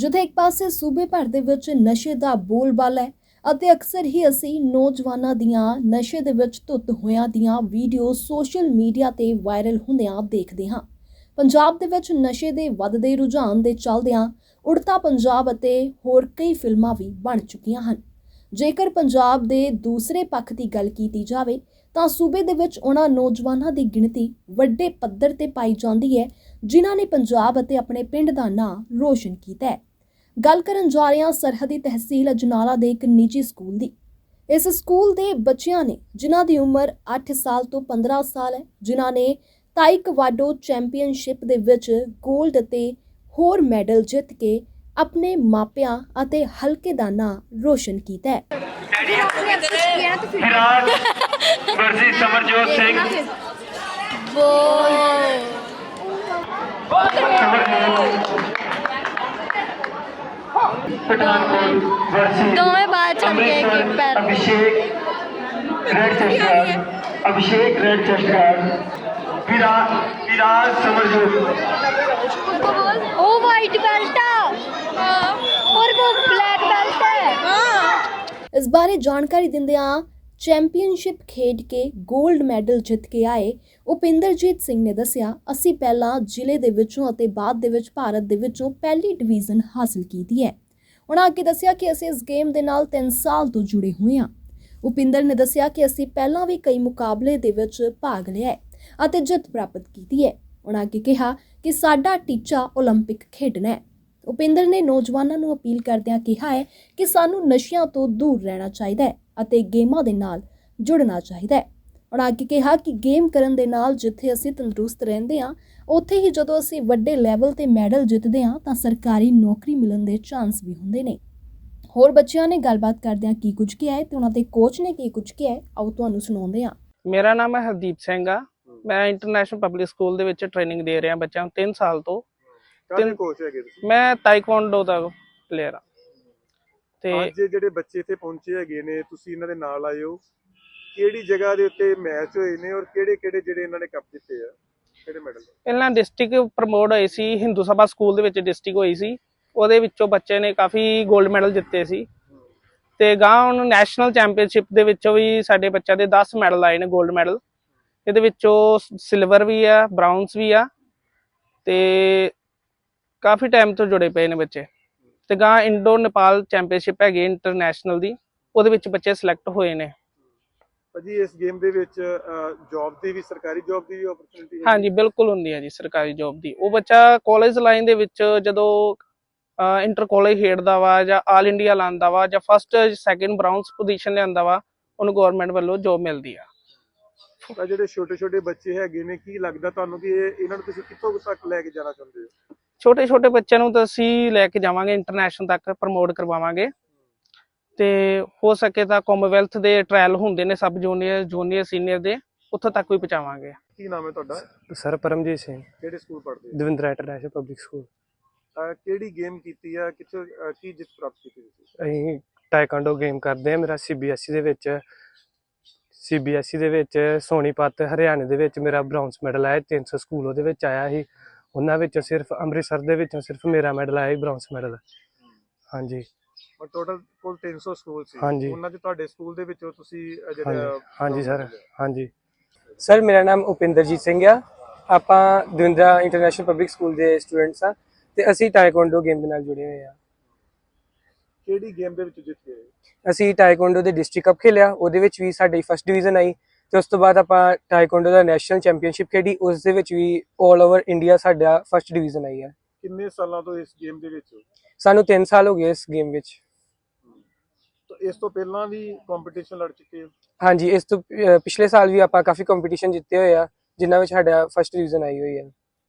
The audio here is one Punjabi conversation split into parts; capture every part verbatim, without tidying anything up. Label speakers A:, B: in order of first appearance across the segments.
A: ਜਿੱਥੇ ਇੱਕ ਪਾਸੇ ਸੂਬੇ ਭਰ ਦੇ ਵਿੱਚ ਨਸ਼ੇ ਦਾ ਬੋਲਬਾਲਾ ਹੈ ਅਤੇ ਅਕਸਰ ਹੀ ਅਸੀਂ ਨੌਜਵਾਨਾਂ ਦੀਆਂ ਨਸ਼ੇ ਦੇ ਵਿੱਚ ਧੁੱਤ ਹੋਇਆਂ ਦੀਆਂ ਵੀਡੀਓ ਸੋਸ਼ਲ ਮੀਡੀਆ ਤੇ ਵਾਇਰਲ ਹੁੰਦਿਆਂ ਦੇਖਦੇ ਹਾਂ। ਪੰਜਾਬ ਦੇ ਵਿੱਚ ਨਸ਼ੇ ਦੇ ਵੱਧਦੇ ਰੁਝਾਨ ਦੇ ਚੱਲਦਿਆਂ ਉੜਤਾ ਪੰਜਾਬ ਅਤੇ ਹੋਰ ਕਈ ਫਿਲਮਾਂ ਵੀ ਬਣ ਚੁੱਕੀਆਂ ਹਨ। ਜੇਕਰ ਪੰਜਾਬ ਦੇ ਦੂਸਰੇ ਪੱਖ ਦੀ ਗੱਲ ਕੀਤੀ ਜਾਵੇ ਤਾਂ ਸੂਬੇ ਦੇ ਵਿੱਚ ਉਹਨਾਂ ਨੌਜਵਾਨਾਂ ਦੀ ਗਿਣਤੀ ਵੱਡੇ ਪੱਧਰ ਤੇ ਪਾਈ ਜਾਂਦੀ ਹੈ ਜਿਨ੍ਹਾਂ ਨੇ ਪੰਜਾਬ ਅਤੇ ਆਪਣੇ ਪਿੰਡ ਦਾ ਨਾਂ ਰੋਸ਼ਨ ਕੀਤਾ ਹੈ। ਗੱਲ ਕਰਨ ਜਾ ਰਹੇ ਹਾਂ ਸਰਹੱਦੀ ਤਹਿਸੀਲ ਅਜਨਾਲਾ ਦੇ ਇੱਕ ਨਿੱਜੀ ਸਕੂਲ ਦੀ। ਇਸ ਸਕੂਲ ਦੇ ਬੱਚਿਆਂ ਨੇ ਜਿਨ੍ਹਾਂ ਦੀ ਉਮਰ ਅੱਠ ਸਾਲ ਤੋਂ ਪੰਦਰਾਂ ਸਾਲ ਹੈ, ਜਿਨ੍ਹਾਂ ਨੇ ਤਾਈਕਵਾਡੋ ਚੈਂਪੀਅਨਸ਼ਿਪ ਦੇ ਵਿੱਚ ਗੋਲਡ ਅਤੇ ਹੋਰ ਮੈਡਲ ਜਿੱਤ ਕੇ ਆਪਣੇ ਮਾਪਿਆਂ ਅਤੇ ਹਲਕੇ ਦਾ ਨਾਂ ਰੋਸ਼ਨ ਕੀਤਾ ਹੈ।
B: ਵਿਰਾਟ ਵਰਸੀ ਸਮਰਜੋਤ ਸਿੰਘ पठानकोट वर्सी
C: दोवें बार चल गए कि पैर
B: Abhishek red chest guard Abhishek red chest guard Virat Virat Samarjot
C: वो वाइट बेल्ट है और वो ब्लैक बेल्ट है।
A: इस बारे जानकारी दिंदियां चैंपीयनशिप खेड के गोल्ड मैडल जित के आए उपिंदरजीत सिंह ने दसिया ਅਸੀਂ ਪਹਿਲਾਂ ਜ਼ਿਲ੍ਹੇ ਦੇ ਵਿੱਚੋਂ ਅਤੇ ਬਾਅਦ ਦੇ ਵਿੱਚ ਭਾਰਤ ਦੇ ਵਿੱਚੋਂ ਪਹਿਲੀ ਡਿਵੀਜ਼ਨ ਹਾਸਲ ਕੀਤੀ ਹੈ। ਉਹਨਾਂ ਅੱਗੇ ਦੱਸਿਆ ਕਿ ਅਸੀਂ ਇਸ ਗੇਮ ਦੇ ਨਾਲ ਤਿੰਨ ਸਾਲ ਤੋਂ ਜੁੜੇ ਹੋਏ ਹਾਂ। ਉਪਿੰਦਰ ਨੇ ਦੱਸਿਆ ਕਿ ਅਸੀਂ ਪਹਿਲਾਂ ਵੀ ਕਈ ਮੁਕਾਬਲੇ ਦੇ ਵਿੱਚ ਭਾਗ ਲਿਆ ਹੈ ਅਤੇ ਜਿੱਤ ਪ੍ਰਾਪਤ ਕੀਤੀ ਹੈ। ਉਹਨਾਂ ਅੱਗੇ ਕਿਹਾ ਕਿ ਸਾਡਾ ਟੀਚਾ ਓਲੰਪਿਕ ਖੇਡਣਾ ਹੈ। ਉਪਿੰਦਰ ਨੇ ਨੌਜਵਾਨਾਂ ਨੂੰ ਅਪੀਲ ਕਰਦਿਆਂ ਕਿਹਾ ਹੈ ਕਿ ਸਾਨੂੰ ਨਸ਼ਿਆਂ ਤੋਂ ਦੂਰ ਰਹਿਣਾ ਚਾਹੀਦਾ ਹੈ ਅਤੇ ਗੇਮਾਂ ਦੇ ਨਾਲ ਜੁੜਨਾ ਚਾਹੀਦਾ ਹੈ। ਉਹਨਾਂ ਅੱਗੇ ਕਿਹਾ ਕਿ ਗੇਮ ਕਰਨ ਦੇ ਨਾਲ ਜਿੱਥੇ ਅਸੀਂ ਤੰਦਰੁਸਤ ਰਹਿੰਦੇ ਹਾਂ ਉੱਥੇ ਹੀ ਜਦੋਂ ਅਸੀਂ ਵੱਡੇ ਲੈਵਲ ਤੇ ਮੈਡਲ ਜਿੱਤਦੇ ਹਾਂ ਤਾਂ ਸਰਕਾਰੀ ਨੌਕਰੀ ਮਿਲਣ ਦੇ ਚਾਂਸ ਵੀ ਹੁੰਦੇ ਨੇ। ਹੋਰ ਬੱਚਿਆਂ ਨੇ ਗੱਲਬਾਤ ਕਰਦਿਆਂ ਕੀ ਕੁਝ ਕਿਹਾ ਹੈ ਤੇ ਉਹਨਾਂ ਦੇ ਕੋਚ ਨੇ ਕੀ ਕੁਝ ਕਿਹਾ ਹੈ ਆਓ ਤੁਹਾਨੂੰ ਸੁਣਾਉਂਦੇ ਹਾਂ।
D: ਮੇਰਾ ਨਾਮ ਹੈ ਹਰਦੀਪ ਸਿੰਘ ਆ। ਮੈਂ ਇੰਟਰਨੈਸ਼ਨਲ ਪਬਲਿਕ ਸਕੂਲ ਦੇ ਵਿੱਚ ਟ੍ਰੇਨਿੰਗ ਦੇ ਰਿਹਾ ਬੱਚਿਆਂ ਨੂੰ ਤਿੰਨ ਸਾਲ ਤੋਂ।
E: ਕਾਹਦੇ ਕੋਚ ਹੈਗੇ ਤੁਸੀਂ?
D: ਮੈਂ ਤਾਈਕਵਾਂਡੋ ਦਾ ਪਲੇਅਰ ਆ। ਤੇ
E: ਅੱਜ ਜਿਹੜੇ ਬੱਚੇ ਇੱਥੇ ਪਹੁੰਚੇ ਹੈਗੇ ਨੇ ਤੁਸੀਂ ਇਹਨਾਂ ਦੇ ਨਾਲ ਆਏ ਹੋ, ਕਿਹੜੀ ਜਗ੍ਹਾ ਦੇ ਉੱਤੇ ਮੈਚ ਹੋਏ ਨੇ ਔਰ ਕਿਹੜੇ ਕਿਹੜੇ ਜਿਹੜੇ ਇਹਨਾਂ ਨੇ ਕੱਪ ਜਿੱਤੇ ਆ, ਕਿਹੜੇ ਮੈਡਲ?
D: ਪਹਿਲਾਂ ਡਿਸਟ੍ਰਿਕਟ ਪ੍ਰਮੋਟ ਹੋਈ ਸੀ, ਹਿੰਦੂ ਸਭਾ ਸਕੂਲ ਦੇ ਵਿੱਚ ਡਿਸਟ੍ਰਿਕਟ ਹੋਈ ਸੀ, ਉਹਦੇ ਵਿੱਚੋਂ ਬੱਚੇ ਨੇ ਕਾਫੀ 골ਡ ਮੈਡਲ ਜਿੱਤੇ ਸੀ। ਤੇ ਗਾਂ ਹੁਣ ਨੈਸ਼ਨਲ ਚੈਂਪੀਅਨਸ਼ਿਪ ਦੇ ਵਿੱਚੋਂ ਵੀ ਸਾਡੇ ਬੱਚਿਆਂ ਦੇ ਦਸ ਮੈਡਲ ਆਏ ਨੇ 골ਡ ਮੈਡਲ। ਇਹਦੇ ਵਿੱਚੋਂ ਸਿਲਵਰ ਵੀ ਆ, ਬ੍ਰਾਊਨਸ ਵੀ ਆ ਤੇ ਕਾਫੀ ਟਾਈਮ ਤੋਂ ਜੁੜੇ ਪਏ ਨੇ ਬੱਚੇ। ਤੇ ਗਾਂ ਇੰਡੋ ਨੇਪਾਲ ਚੈਂਪੀਅਨਸ਼ਿਪ ਹੈਗੀ ਇੰਟਰਨੈਸ਼ਨਲ ਦੀ, ਉਹਦੇ ਵਿੱਚ ਬੱਚੇ ਸਿਲੈਕਟ ਹੋਏ ਨੇ।
E: ਭਾਜੀ ਇਸ ਗੇਮ ਦੇ ਵਿੱਚ ਜੌਬ ਦੀ ਵੀ, ਸਰਕਾਰੀ ਜੌਬ ਦੀ ਵੀ ਓਪਰਚੁਨਿਟੀ ਹੈ?
D: ਹਾਂਜੀ ਬਿਲਕੁਲ ਹੁੰਦੀ ਹੈ ਜੀ ਸਰਕਾਰੀ ਜੌਬ ਦੀ। ਉਹ ਬੱਚਾ ਕਾਲਜ ਲਾਈਨ ਦੇ ਵਿੱਚ ਜਦੋਂ ਇੰਟਰ ਕਾਲਜ ਖੇਡਦਾ ਵਾ ਜਾਂ ਆਲ ਇੰਡੀਆ ਲਾਉਂਦਾ ਵਾ ਜਾਂ ਫਸਟ ਸੈਕਿੰਡ ਬ੍ਰਾਊਨਸ ਪੋਜੀਸ਼ਨ ਲਿਆਂਦਾ ਵਾ, ਉਹਨੂੰ ਗਵਰਨਮੈਂਟ ਵੱਲੋਂ ਜੌਬ ਮਿਲਦੀ ਆ।
E: ਤਾਂ ਜਿਹੜੇ ਛੋਟੇ ਛੋਟੇ ਬੱਚੇ ਹੈਗੇ ਨੇ, ਕੀ ਲੱਗਦਾ ਤੁਹਾਨੂੰ ਕਿ ਇਹ ਇਹਨਾਂ ਨੂੰ ਤੁਸੀਂ ਕਿੱਥੋਂ ਤੱਕ ਲੈ ਕੇ ਜਾਣਾ ਚਾਹੁੰਦੇ ਹੋ?
D: ਛੋਟੇ ਛੋਟੇ ਬੱਚਿਆਂ ਨੂੰ ਤਾਂ ਅਸੀਂ ਲੈ ਕੇ ਜਾਵਾਂਗੇ, ਇੰਟਰਨੈਸ਼ਨਲ ਤੱਕ ਪ੍ਰਮੋਟ ਕਰਵਾਵਾਂਗੇ ਤੇ ਹੋ ਸਕੇ ਤਾਂ ਕਾਮਨਵੈਲਥ ਦੇ ਟ੍ਰਾਇਲ ਹੁੰਦੇ ਨੇ ਸਬ ਜੂਨੀਅਰ ਜੂਨੀਅਰ ਸੀਨੀਅਰ ਦੇ, ਉੱਥੋਂ ਤੱਕ ਵੀ ਪਹੁੰਚਾਵਾਂਗੇ।
E: ਕੀ ਨਾਮ ਹੈ ਤੁਹਾਡਾ?
F: ਸਰ ਪਰਮਜੀਤ ਸਿੰਘ।
E: ਕਿਹੜੇ ਸਕੂਲ ਪੜ੍ਹਦੇ ਹੋ?
F: Davinder international public school.
E: ਕਿਹੜੀ ਗੇਮ ਕੀਤੀ ਆ, ਕਿੱਥੋਂ ਕੀ ਜਿੱਤ ਪ੍ਰਾਪਤ ਕੀਤੀ ਤੁਸੀਂ?
F: ਅਸੀਂ ਟਾਈਕਾਂਡੋ ਗੇਮ ਕਰਦੇ ਆ। ਮੇਰਾ ਸੀਬੀਐਸਈ ਦੇ ਵਿੱਚ ਸੀਬੀਐਸਈ ਦੇ ਵਿੱਚ ਸੋਨੀਪਤ ਹਰਿਆਣੇ ਦੇ ਵਿੱਚ ਮੇਰਾ ਬ੍ਰਾਊਨਸ ਮੈਡਲ ਆਇਆ। ਤਿੰਨ ਸੌ ਸਕੂਲ ਉਹਦੇ ਵਿੱਚ ਆਇਆ ਸੀ, ਉਹਨਾਂ ਵਿੱਚੋਂ ਸਿਰਫ ਅੰਮ੍ਰਿਤਸਰ ਦੇ ਵਿੱਚੋਂ ਸਿਰਫ ਮੇਰਾ ਮੈਡਲ ਆਇਆ ਸੀ, ਬ੍ਰਾਊਨਸ ਮੈਡਲ। ਹਾਂਜੀ
E: ਟੋਟਲ ਕੋਲ ਤਿੰਨ ਸੌ ਸਕੂਲ ਸੀ,
F: ਹਾਂਜੀ।
E: ਉਹਨਾਂ ਦੇ ਤੁਹਾਡੇ ਸਕੂਲ ਦੇ ਵਿੱਚੋਂ ਤੁਸੀਂ
F: ਜਿਹੜਾ? ਹਾਂਜੀ ਸਰ, ਹਾਂਜੀ ਸਰ। ਮੇਰਾ ਨਾਮ ਉਪਿੰਦਰਜੀਤ ਸਿੰਘ ਆ। ਆਪਾਂ ਦਵਿੰਦਰਾ ਇੰਟਰਨੈਸ਼ਨਲ ਪਬਲਿਕ ਸਕੂਲ ਦੇ ਸਟੂਡੈਂਟਸ ਆ ਤੇ ਅਸੀਂ ਟਾਈਕਵਾਂਡੋ ਗੇਮ ਦੇ ਨਾਲ ਜੁੜੇ ਹੋਏ ਆ।
E: ਕਿਹੜੀ ਗੇਮ ਦੇ ਵਿੱਚ ਜਿੱਤ ਗਏ?
F: ਅਸੀਂ ਟਾਈਕਵਾਂਡੋ ਦੇ ਡਿਸਟ੍ਰਿਕਟ ਕੱਪ ਖੇਲਿਆ, ਉਹਦੇ ਵਿੱਚ ਵੀ ਸਾਡੀ ਫਸਟ ਡਿਵੀਜ਼ਨ ਆਈ ਤੇ ਉਸ ਤੋਂ ਬਾਅਦ ਆਪਾਂ ਟਾਈਕਵਾਂਡੋ ਦਾ ਨੈਸ਼ਨਲ ਚੈਂਪੀਅਨਸ਼ਿਪ ਖੇਡੀ, ਉਸ ਦੇ ਵਿੱਚ ਵੀ ਆਲ ਓਵਰ ਇੰਡੀਆ ਸਾਡਾ ਫਸਟ ਡਿਵੀਜ਼ਨ ਆਈ ਹੈ।
E: ਕਿੰਨੇ ਸਾਲਾਂ ਤੋਂ ਇਸ ਗੇਮ ਦੇ ਵਿੱਚ?
F: ਸਾਨੂੰ ਤਿੰਨ ਸਾਲ ਹੋ ਗਏ ਇਸ ਗੇਮ ਵਿੱਚ।
E: ਇਸ ਤੋਂ ਪਹਿਲਾਂ ਵੀ ਕੰਪੀਟੀਸ਼ਨ ਲੜ ਚੁੱਕੇ ਹੋ?
F: ਹਾਂਜੀ, ਇਸ ਤੋਂ ਪਿਛਲੇ ਸਾਲ ਵੀ ਆਪਾਂ ਕਾਫੀ ਕੰਪੀਟੀਸ਼ਨ ਜਿੱਤੇ ਹੋਏ ਆ ਜਿਨ੍ਹਾਂ ਵਿੱਚ ਸਾਡਾ ਫਸਟ ਡਿਵੀਜ਼ਨ ਆਈ ਹੋਈ ਹੈ।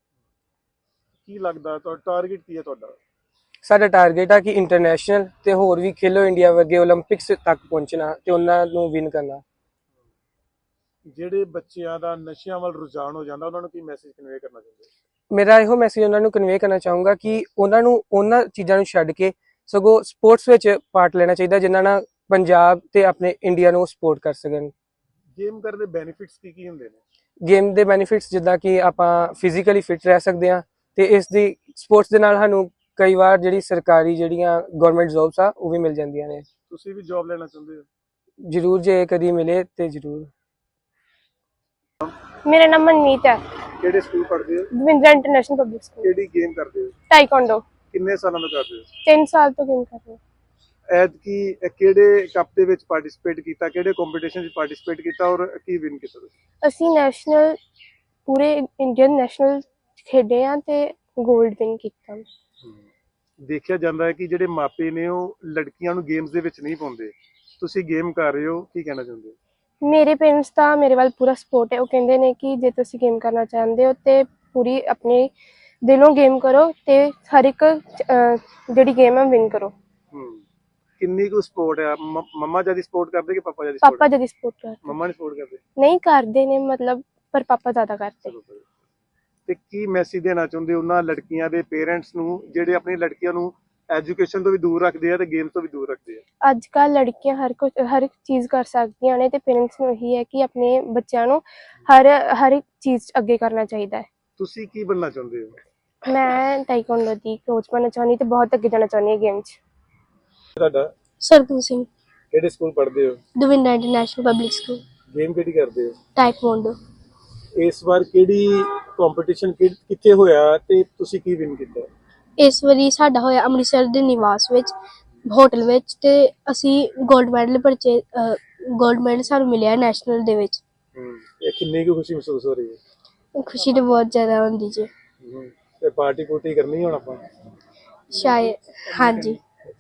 E: ਕੀ ਲੱਗਦਾ ਤੁਹਾਡਾ ਟਾਰਗੇਟ ਕੀ ਹੈ ਤੁਹਾਡਾ?
F: ਸਾਡਾ ਟਾਰਗੇਟ ਆ ਕਿ ਇੰਟਰਨੈਸ਼ਨਲ ਤੇ ਹੋਰ ਵੀ ਖੇਲੋ ਇੰਡੀਆ ਵਰਗੇ ਓਲੰਪਿਕਸ ਤੱਕ ਪਹੁੰਚਣਾ ਤੇ ਉਹਨਾਂ ਨੂੰ ਵਿਨ ਕਰਨਾ।
E: ਜਿਹੜੇ ਬੱਚਿਆਂ ਦਾ ਨਸ਼ਿਆਂ ਵੱਲ ਰੁਝਾਨ ਹੋ ਜਾਂਦਾ ਉਹਨਾਂ ਨੂੰ ਕੀ ਮੈਸੇਜ ਕਨਵੇ ਕਰਨਾ ਚਾਹੁੰਦੇ?
F: ਮੇਰਾ ਇਹੋ ਮੈਸੇਜ ਉਹਨਾਂ ਨੂੰ ਕਨਵੇ ਕਰਨਾ ਚਾਹੂੰਗਾ ਕਿ ਉਹਨਾਂ ਨੂੰ ਉਹਨਾਂ ਚੀਜ਼ਾਂ ਨੂੰ ਛੱਡ ਕੇ ਸਗੋਂ ਸਪੋਰਟਸ ਵਿੱਚ ਪਾਰਟ ਲੈਣਾ ਚਾਹੀਦਾ ਜਿਨ੍ਹਾਂ ਨਾਲ ਪੰਜਾਬ ਤੇ ਆਪਣੇ ਇੰਡੀਆ ਨੂੰ ਸਪੋਰਟ ਕਰ ਸਕਣ।
E: ਗੇਮ ਕਰਨ ਦੇ ਬੈਨੀਫਿਟਸ ਕੀ ਕੀ ਹੁੰਦੇ ਨੇ?
F: ਗੇਮ ਦੇ ਬੈਨੀਫਿਟਸ ਜਿੱਦਾਂ ਕਿ ਆਪਾਂ ਫਿਜ਼ੀਕਲੀ ਫਿਟ ਰਹਿ ਸਕਦੇ ਹਾਂ ਤੇ ਇਸ ਦੀ ਸਪੋਰਟਸ ਦੇ ਨਾਲ ਸਾਨੂੰ ਕਈ ਵਾਰ ਜਿਹੜੀ ਸਰਕਾਰੀ ਜਿਹੜੀਆਂ ਗਵਰਨਮੈਂਟ ਜੌਬਸ ਆ ਉਹ ਵੀ ਮਿਲ ਜਾਂਦੀਆਂ ਨੇ।
E: ਤੁਸੀਂ ਵੀ ਜੌਬ ਲੈਣਾ ਚਾਹੁੰਦੇ ਹੋ?
F: ਜ਼ਰੂਰ, ਜੇ ਕਦੀ ਮਿਲੇ ਤੇ ਜ਼ਰੂਰ।
G: ਮੇਰਾ ਨਾਮ ਮਨਮੀਤ ਹੈ।
E: ਕਿਹੜੇ ਸਕੂਲ ਪੜ੍ਹਦੇ ਹੋ?
G: Davinder international public school.
E: ਕਿਹੜੀ ਗੇਮ ਕਰਦੇ ਹੋ?
G: ਟਾਈਕਵਾਂਡੋ।
E: ਕਿੰਨੇ ਸਾਲਾਂ ਤੋਂ ਕਰਦੇ ਹੋ?
G: ਤਿੰਨ ਸਾਲ ਤੋਂ ਗੇਮ ਕਰ ਰਹੀ ਹਾਂ।
E: ਐਤਕੀ ਇਹ ਕਿਹੜੇ ਕੱਪ ਦੇ ਵਿੱਚ ਪਾਰਟਿਸਿਪੇਟ ਕੀਤਾ, ਕਿਹੜੇ ਕੰਪੀਟੀਸ਼ਨ ਵਿੱਚ ਪਾਰਟਿਸਿਪੇਟ ਕੀਤਾ ਔਰ ਕੀ ਵਿਨ ਕੀਤਾ ਤੁਸੀਂ?
G: ਅਸੀਂ ਨੈਸ਼ਨਲ ਪੂਰੇ ਇੰਡੀਅਨ ਨੈਸ਼ਨਲ ਖੇਡੇ ਆ ਤੇ 골ਡ ਵਿਨ ਕੀਤਾ।
E: ਦੇਖਿਆ ਜਾਂਦਾ ਹੈ ਕਿ ਜਿਹੜੇ ਮਾਪੇ ਨੇ ਉਹ ਲੜਕੀਆਂ ਨੂੰ ਗੇਮਸ ਦੇ ਵਿੱਚ ਨਹੀਂ ਪਾਉਂਦੇ, ਤੁਸੀਂ ਗੇਮ ਕਰ ਰਹੇ ਹੋ, ਕੀ ਕਹਿਣਾ ਚਾਹੁੰਦੇ ਹੋ?
G: ਮੇਰੇ ਪੇਰੈਂਟਸ ਤਾਂ ਮੇਰੇ ਵੱਲ ਪੂਰਾ ਸਪੋਰਟ ਹੈ। ਉਹ ਕਹਿੰਦੇ ਨੇ ਕਿ ਜੇ ਤੁਸੀਂ ਗੇਮ ਕਰਨਾ ਚਾਹੁੰਦੇ ਹੋ ਤੇ ਪੂਰੀ ਆਪਣੇ ਦਿਲੋਂ ਗੇਮ ਕਰੋ ਤੇ ਹਰ ਇੱਕ ਅਹ, ਜਿਹੜੀ ਗੇਮ ਹੈ ਵਿਨ ਕਰੋ।
E: ਹੂੰ ਕਿੰਨੀ ਕੁ ਸਪੋਰਟ ਹੈ? ਮ- ਮੰਮਾ ਜਿਆਦਾ ਸਪੋਰਟ ਕਰਦੇ ਕਿ ਪਾਪਾ ਜਿਆਦਾ
G: ਪਾਪਾ
E: ਸਪੋਰਟ?
G: ਜਦੀ ਸਪੋਰਟ ਕਰਦੇ
E: ਮੰਮਾ ਨੇ ਸਪੋਰਟ ਕਰਦੇ?
G: ਨਹੀਂ ਕਰਦੇ ਨੇ ਮਤਲਬ, ਪਰ ਪਾਪਾ ਜ਼ਿਆਦਾ ਕਰਦੇ।
E: ਚਲੋ ਭਾਈ। ਤੇ ਕੀ ਮੈਸੇਜ ਦੇਣਾ ਚਾਹੁੰਦੇ ਹੋ ਉਹਨਾਂ ਲੜਕੀਆਂ ਦੇ ਪੇਰੈਂਟਸ ਨੂੰ ਜਿਹੜੇ ਆਪਣੀ ਲੜਕੀਆਂ ਨੂੰ ਐਜੂਕੇਸ਼ਨ ਤੋਂ ਵੀ ਦੂਰ ਰੱਖਦੇ ਆ ਤੇ ਗੇਮ ਤੋਂ ਵੀ ਦੂਰ ਰੱਖਦੇ ਆ?
G: ਅੱਜ ਕੱਲ੍ਹ ਲੜਕੀਆਂ ਹਰ ਕੁਝ ਹਰ ਇੱਕ ਚੀਜ਼ ਕਰ ਸਕਦੀਆਂ ਨੇ ਤੇ ਪੇਰੈਂਟਸ ਨੂੰ ਇਹੀ ਹੈ ਕਿ ਆਪਣੇ ਬੱਚਿਆਂ ਨੂੰ ਹਰ ਹਰ ਇੱਕ ਚੀਜ਼ 'ਚ ਅੱਗੇ ਕਰਨਾ ਚਾਹੀਦਾ ਹੈ।
E: ਤੁਸੀਂ ਕੀ ਬਣਨਾ ਚਾਹੁੰਦੇ ਹੋ?
G: ਮੈਂ ਟਾਈਕਵਾਂਡੋ ਦੀ ਕੋਚ ਬਣਨਾ ਚਾਹੁੰਦੀ ਤੇ ਬਹੁਤ ਅੱਗੇ ਜਾਣਾ ਚਾਹੁੰਦੀ ਹਾਂ ਗੇਮ 'ਚ।
E: ਤੁਹਾਡਾ
G: ਸਰਗੁਣ ਸਿੰਘ,
E: ਕਿਹੜੇ ਸਕੂਲ ਪੜ੍ਹਦੇ ਹੋ?
G: Davinder international public school.
E: Game ਕਿਹੜੀ ਕਰਦੇ ਹੋ?
G: ਟਾਈਕਵਾਂਡੋ।
E: ਇਸ ਵਾਰ ਕਿਹੜੀ ਕੰਪੀਟੀਸ਼ਨ ਕਿੱਥੇ ਹੋਇਆ ਤੇ ਤੁਸੀਂ ਕੀ ਵਿਨ ਕੀਤਾ?
H: ਇਸ ਵਾਰੀ ਸਾਡਾ ਹੋਇਆ ਅੰਮ੍ਰਿਤਸਰ ਦੇ ਨਿਵਾਸ ਵਿੱਚ ਹੋਟਲ ਵਿੱਚ ਤੇ ਅਸੀਂ 골ਡ ਮੈਡਲ ਪਰਚੇ 골ਡ ਮੈਡਲ ਸਾਨੂੰ ਮਿਲਿਆ ਨੈਸ਼ਨਲ ਦੇ ਵਿੱਚ।
E: ਹੂੰ ਇਹ ਕਿੰਨੀ ਕੁ ਖੁਸ਼ੀ ਮਹਿਸੂਸ ਹੋ ਰਹੀ ਹੈ?
H: ਖੁਸ਼ੀ ਤਾਂ ਬਹੁਤ ਜ਼ਿਆਦਾ ਹੁੰਦੀ ਜੀ।
E: ਹੂੰ ਤੇ ਪਾਰਟੀ ਪੂਰਟੀ ਕਰਨੀ ਹੁਣ ਆਪਾਂ?
H: ਸ਼ਾਇਦ ਹਾਂਜੀ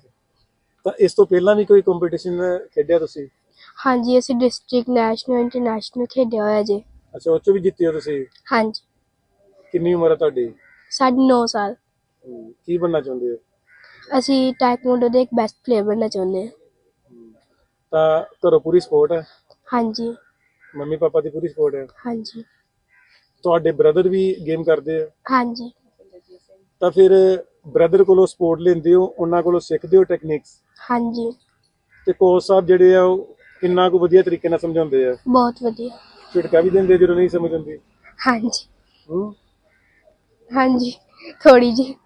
E: ਤਾਂ ਇਸ ਤੋਂ ਪਹਿਲਾਂ ਵੀ ਕੋਈ ਕੰਪੀਟੀਸ਼ਨ ਖੇਡਿਆ ਤੁਸੀਂ?
H: ਹਾਂਜੀ ਅਸੀਂ ਡਿਸਟ੍ਰਿਕਟ ਨੈਸ਼ਨਲ ਇੰਟਰਨੈਸ਼ਨਲ ਖੇਡਿਆ ਹੋਇਆ ਜੀ।
E: ਅੱਛਾ ਉਹ 'ਚ ਵੀ ਜਿੱਤੇ ਹੋ ਤੁਸੀਂ?
H: ਹਾਂਜੀ
E: ਕਿੰਨੀ ਉਮਰ ਹੈ ਤੁਹਾਡੀ?
H: ਸਾਢੇ ਨੌ ਸਾਲ।
E: ਹੂੰ, ਕੀ ਬਣਨਾ ਚਾਹੁੰਦੇ ਹੋ?
H: ਅਸੀਂ ਟਾਈਕਵਾਂਡੋ ਦੇ ਇੱਕ ਬੈਸਟ ਪਲੇਅਰ ਬਣਨਾ ਚਾਹੁੰਦੇ ਹਾਂ।
E: ਤਾਂ ਘਰੋਂ ਪੂਰੀ ਸਪੋਰਟ ਹੈ?
H: ਹਾਂਜੀ
E: ਮੰਮੀ ਪਾਪਾ ਦੀ ਪੂਰੀ ਸਪੋਰਟ ਹੈ?
H: ਹਾਂਜੀ
E: ਤੁਹਾਡੇ ਬ੍ਰਦਰ ਵੀ ਗੇਮ ਕਰਦੇ ਆ?
H: ਹਾਂਜੀ
E: ਤਾਂ ਫਿਰ ਬ੍ਰਦਰ ਕੋਲੋਂ ਸਪੋਰਟ ਲੈਂਦੇ ਹੋ, ਉਹਨਾਂ ਕੋਲੋਂ ਸਿੱਖਦੇ ਹੋ ਟੈਕਨੀਕਸ?
H: ਹਾਂਜੀ
E: ਤੇ ਕੋਚ ਸਾਹਿਬ ਜਿਹੜੇ ਆ ਉਹ ਕਿੰਨਾ ਕੁ ਵਧੀਆ ਤਰੀਕੇ ਨਾਲ ਸਮਝਾਉਂਦੇ ਆ?
H: ਬਹੁਤ ਵਧੀਆ।
E: ਝਿੜਕਾ ਵੀ ਦਿੰਦੇ ਜਦੋਂ ਨਹੀਂ ਸਮਝ ਆਉਂਦੀ?
H: ਹਾਂਜੀ
E: ਹੂੰ
H: ਹਾਂਜੀ ਥੋੜੀ ਜੀ।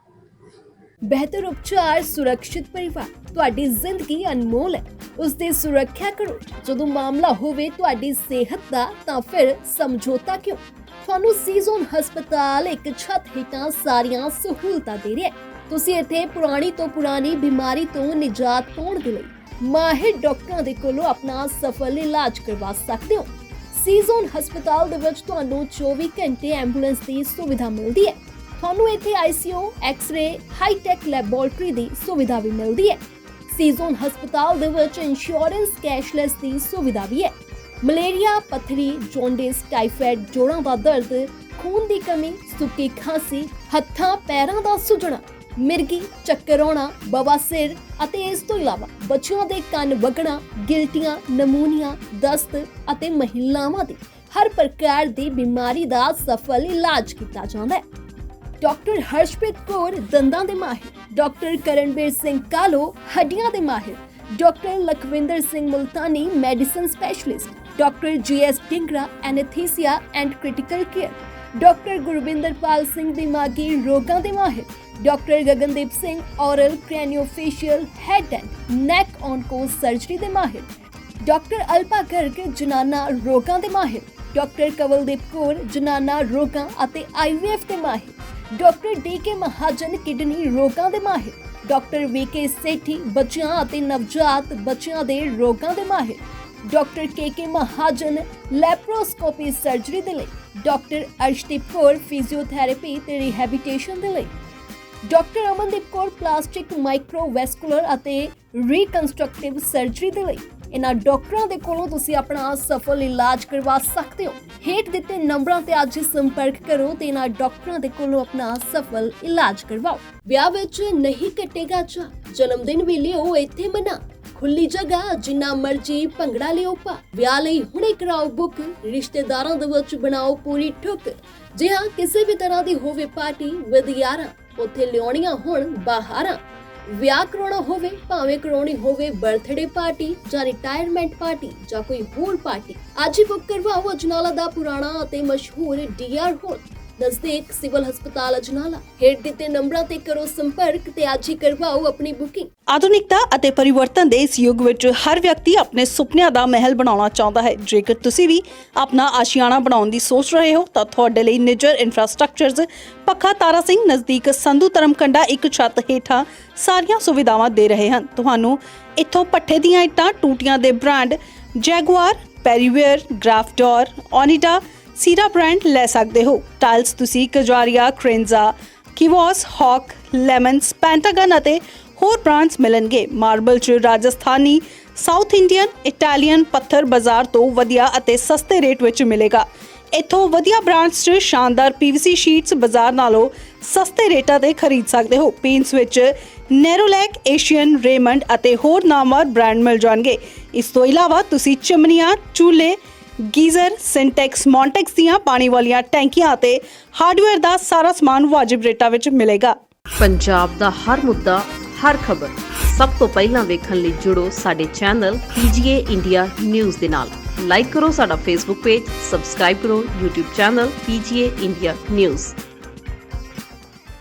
A: ਬਿਹਤਰ ਉਪਚਾਰ ਸੁਰੱਖਿਅਤ ਪਰਿਵਾਰ। ਤੁਹਾਡੀ ਜ਼ਿੰਦਗੀ ਅਨਮੋਲ ਹੈ, ਉਸ ਦੀ ਸੁਰੱਖਿਆ ਕਰੋ। ਜਦੋਂ ਮਾਮਲਾ ਹੋਵੇ ਤੁਹਾਡੀ ਸਿਹਤ ਦਾ ਤਾਂ ਫਿਰ ਸਮਝੌਤਾ ਕਿਉਂ? ਤੁਹਾਨੂੰ ਸੀਜ਼ਨ ਹਸਪਤਾਲ ਇੱਕ ਛੱਤ ਹੇਠਾਂ ਸਾਰੀਆਂ ਸਹੂਲਤਾਂ ਦੇ ਰਿਹਾ ਹੈ। ਤੁਸੀਂ ਇੱਥੇ ਪੁਰਾਣੀ ਤੋਂ ਪੁਰਾਣੀ ਬਿਮਾਰੀ ਤੋਂ ਨਿਜਾਤ ਪਾਉਣ ਦੇ ਲਈ ਮਾਹਿਰ ਡਾਕਟਰਾਂ ਦੇ ਕੋਲੋਂ ਆਪਣਾ ਸਫਲ ਇਲਾਜ ਕਰਵਾ ਸਕਦੇ ਹੋ। ਸੀਜ਼ਨ ਹਸਪਤਾਲ ਦੇ ਵਿੱਚ ਤੁਹਾਨੂੰ ਚੌਵੀ ਘੰਟੇ ਐਂਬੂਲੈਂਸ ਦੀ ਸੁਵਿਧਾ ਮਿਲਦੀ ਹੈ। ਤੁਹਾਨੂੰ ਇੱਥੇ ਆਈਸੀਯੂ, ਐਕਸ-ਰੇ, ਹਾਈ-ਟੈਕ ਲੈਬੋਰੇਟਰੀ ਦੀ ਸੁਵਿਧਾ ਵੀ ਮਿਲਦੀ ਹੈ। ਸੀਜ਼ਨ ਹਸਪਤਾਲ ਦੇ ਵਿੱਚ ਇੰਸ਼ੋਰੈਂਸ ਕੈਸ਼ਲੈਸ ਦੀ ਸੁਵਿਧਾ ਵੀ ਹੈ। ਮਲੇਰੀਆ, ਪੱਥਰੀ, ਜੌਂਡਿਸ, ਟਾਈਫਾਇਡ, ਜੋੜਾਂ ਦਾ ਦਰਦ, ਖੂਨ ਦੀ ਕਮੀ, ਸੁੱਕੀ ਖਾਂਸੀ, ਹੱਥਾਂ ਪੈਰਾਂ ਦਾ ਸੁੱਜਣਾ, ਮਿਰਗੀ, ਚੱਕਰ ਆਉਣਾ, ਬਵਾਸੀਰ ਅਤੇ ਇਸ ਤੋਂ ਇਲਾਵਾ ਬੱਚਿਆਂ ਦੇ ਕੰਨ ਵਗਣਾ, ਗਿਲਟੀਆਂ, ਨਮੂਨੀਆ, ਦਸਤ ਅਤੇ ਮਹਿਲਾਵਾਂ ਦੀ ਹਰ ਪ੍ਰਕਾਰ ਦੀ ਬਿਮਾਰੀ ਦਾ ਸਫਲ ਇਲਾਜ ਕੀਤਾ ਜਾਂਦਾ ਹੈ। ਡਾਕਟਰ ਹਰਸ਼ਪ੍ਰੀਤ ਕੌਰ ਦੰਦਾਂ ਦੇ ਮਾਹਿਰ, ਡਾਕਟਰ ਕਰਨਵੀਰ ਸਿੰਘ ਕਾਲੋ ਹੱਡੀਆਂ ਦੇ ਮਾਹਿਰ, doctor Lakhwinder Singh Multani medicine specialist, doctor G S Dhingra anaesthesia and critical care, doctor Gurwinderpal Singh ਦਿਮਾਗੀ ਰੋਗਾਂ ਦੇ ਮਾਹਿਰ, doctor Gagandeep Singh oral craniofacial head and neck onco surgery ਦੇ ਮਾਹਿਰ, ਡਾਕਟਰ ਅਲਪਾ ਗਰਗ ਜਨਾਨਾ ਰੋਗਾਂ ਦੇ ਮਾਹਿਰ, ਡਾਕਟਰ ਕਵਲਦੀਪ ਕੌਰ ਜਨਾਨਾ ਰੋਗਾਂ ਅਤੇ ਆਈਵੀਐਫ ਦੇ ਮਾਹਿਰ, doctor D K Mahajan kidney ਰੋਗਾਂ ਦੇ ਮਾਹਿਰ, ਡਾਕਟਰ ਵੀ ਕੇ ਸੇਠੀ ਬੱਚਿਆਂ ਅਤੇ ਨਵਜਾਤ ਬੱਚਿਆਂ ਦੇ ਰੋਗਾਂ ਦੇ ਮਾਹਿਰ, doctor K K Mahajan laparoscopy surgery ਦੇ ਲਈ, ਡਾਕਟਰ ਅਰਸ਼ਦੀਪ ਕੌਰ ਫਿਜ਼ੀਓਥੈਰੇਪੀ ਤੇ ਰਿਹੈਬਿਲਿਟੇਸ਼ਨ ਦੇ ਲਈ, doctor Amandeep Kaur plastic microvascular ਅਤੇ ਰੀਕਨਸਟਰਕਟਿਵ ਸਰਜਰੀ ਦੇ ਲਈ। ਇਹਨਾਂ ਡਾਕਟਰਾਂ ਦੇ ਕੋਲੋਂ ਤੁਸੀਂ ਆਪਣਾ ਸਫਲ ਇਲਾਜ ਕਰਵਾ ਸਕਦੇ ਹੋ। ਹੇਠ ਦਿੱਤੇ ਨੰਬਰਾਂ ਤੇ ਅੱਜ ਹੀ ਸੰਪਰਕ ਕਰੋ ਤੇ ਇਹਨਾਂ ਡਾਕਟਰਾਂ ਦੇ ਕੋਲੋਂ ਆਪਣਾ ਸਫਲ ਇਲਾਜ ਕਰਵਾਓ। ਵਿਆਹ ਵਿੱਚ ਨਹੀਂ ਕੱਟੇਗਾ ਚਾਅ, ਜਨਮ ਦਿਨ ਵੀ ਲਿਓ ਇੱਥੇ ਮਨਾ। ਖੁੱਲੀ ਜਗ੍ਹਾ, ਜਿੰਨਾ ਮਰਜੀ ਭੰਗੜਾ ਲਿਓ ਪਾ। ਵਿਆਹ ਲਈ ਹੁਣੇ ਕਰਾਓ ਬੁੱਕ, ਰਿਸ਼ਤੇਦਾਰਾਂ ਦੇ ਵਿੱਚ ਬਣਾਓ ਪੂਰੀ ਠੁੱਕ। ਜੇ ਹਾਂ ਕਿਸੇ ਵੀ ਤਰ੍ਹਾਂ ਦੀ ਹੋਵੇ ਪਾਰਟੀ ਵਿਦ ਯਾਰਾਂ, ਉੱਥੇ ਲਿਆਉਣੀਆਂ ਹੁਣ ਬਾਹਰਾਂ। ਵਿਆਹ ਕਰਾਉਣਾ ਹੋਵੇ, ਭਾਵੇਂ ਕਰਾਉਣੀ ਹੋਵੇ ਬਰਥਡੇ ਪਾਰਟੀ ਜਾਂ ਰਿਟਾਇਰਮੈਂਟ ਪਾਰਟੀ ਜਾਂ ਕੋਈ ਹੋਰ ਪਾਰਟੀ, ਅੱਜ ਹੀ ਬੁੱਕ ਕਰਵਾਓ ਅਜਨਾਲਾ ਦਾ ਪੁਰਾਣਾ ਅਤੇ ਮਸ਼ਹੂਰ ਡੀ ਆਰ ਹੋਲ। ਨਜ਼ਦੀਕ ਸਿਵਲ ਹਸਪਤਾਲ ਅਜਨਾਲਾ। ਹੇਠ ਦਿੱਤੇ ਨੰਬਰਾਂ ਤੇ ਕਰੋ ਸੰਪਰਕ ਤੇ ਅੱਜ ਹੀ ਕਰਵਾਓ ਆਪਣੀ ਬੁਕਿੰਗ।
I: ਆਧੁਨਿਕਤਾ ਅਤੇ ਪਰਿਵਰਤਨ ਦੇ ਇਸ ਯੁੱਗ ਵਿੱਚ ਹਰ ਵਿਅਕਤੀ ਆਪਣੇ ਸੁਪਨਿਆਂ ਦਾ ਮਹਿਲ ਬਣਾਉਣਾ ਚਾਹੁੰਦਾ ਹੈ। ਜੇਕਰ ਤੁਸੀਂ ਵੀ ਆਪਣਾ ਆਸ਼ੀਆਣਾ ਬਣਾਉਣ ਦੀ ਸੋਚ ਰਹੇ ਹੋ ਤਾਂ ਤੁਹਾਡੇ ਲਈ ਨਿੱਜਰ ਇਨਫਰਾਸਟ੍ਰਕਚਰਜ਼ ਪੱਖਾ ਤਾਰਾ ਸਿੰਘ ਨਜ਼ਦੀਕ ਸੰਧੂ ਧਰਮਕੰਡਾ ਇੱਕ ਛੱਤ ਹੇਠਾਂ ਸਾਰੀਆਂ ਸੁਵਿਧਾਵਾਂ ਦੇ ਰਹੇ ਹਨ। ਤੁਹਾਨੂੰ ਇੱਥੋਂ ਪੱਠੇ ਦੀਆਂ ਇੱਟਾਂ, ਟੂਟੀਆਂ ਦੇ ਬ੍ਰਾਂਡ ਜੈਗੁਆਰ, ਪੈਰੀਵੇਅਰ, ਗ੍ਰਾਫਡੋਰ, ਓਨੀਡਾ, ਸੀਰਾ ਬ੍ਰਾਂਡ ਲੈ ਸਕਦੇ ਹੋ। ਟਾਈਲਸ ਤੁਸੀਂ ਕਜਾਰੀਆ, ਕ੍ਰੇਨਜ਼ਾ, ਕਿਵੋਸ, ਹੌਕ, ਲੈਮਨਸ, ਪੈਂਟਾਗਨ ਅਤੇ ਹੋਰ ਬ੍ਰਾਂਡਸ ਮਿਲਣਗੇ। ਮਾਰਬਲ 'ਚ ਰਾਜਸਥਾਨੀ, ਸਾਊਥ ਇੰਡੀਅਨ, ਇਟਾਲੀਅਨ ਪੱਥਰ ਬਾਜ਼ਾਰ ਤੋਂ ਵਧੀਆ ਅਤੇ ਸਸਤੇ ਰੇਟ ਵਿੱਚ ਮਿਲੇਗਾ। ਇੱਥੋਂ ਵਧੀਆ ਬ੍ਰਾਂਡਸ 'ਚ ਸ਼ਾਨਦਾਰ ਪੀਵੀਸੀ ਸ਼ੀਟਸ ਬਾਜ਼ਾਰ ਨਾਲੋਂ ਸਸਤੇ ਰੇਟਾਂ ਤੇ ਖਰੀਦ ਸਕਦੇ ਹੋ। ਪੇਂਟਸ ਵਿੱਚ ਨੈਰੋਲੈਕ, ਏਸ਼ੀਅਨ, ਰੇਮੰਡ ਅਤੇ ਹੋਰ ਨਾਮਵਰ ਬ੍ਰਾਂਡ ਮਿਲ ਜਾਣਗੇ। ਇਸ ਤੋਂ ਇਲਾਵਾ ਤੁਸੀਂ ਚਿਮਨੀਆਂ, ਚੂਲੇ, ਗੀਜ਼ਰ, ਸਿੰਟੈਕਸ, ਮੌਂਟੈਕਸ ਦੀਆਂ ਪਾਣੀ ਵਾਲੀਆਂ ਟੈਂਕੀਆਂ ਅਤੇ ਹਾਰਡਵੇਅਰ ਦਾ ਸਾਰਾ ਸਮਾਨ ਵਾਜਿਬ ਰੇਟਾਂ ਵਿੱਚ ਮਿਲੇਗਾ।
J: ਪੰਜਾਬ ਦਾ ਹਰ ਮੁੱਦਾ, ਹਰ ਖਬਰ ਸਭ ਤੋਂ ਪਹਿਲਾਂ ਵੇਖਣ ਲਈ ਜੁੜੋ ਸਾਡੇ ਚੈਨਲ ਪੀਜੀਏ ਇੰਡੀਆ ਨਿਊਜ਼ ਦੇ ਨਾਲ। ਲਾਈਕ ਕਰੋ ਸਾਡਾ ਫੇਸਬੁੱਕ ਪੇਜ, ਸਬਸਕ੍ਰਾਈਬ ਕਰੋ YouTube channel PGA India news.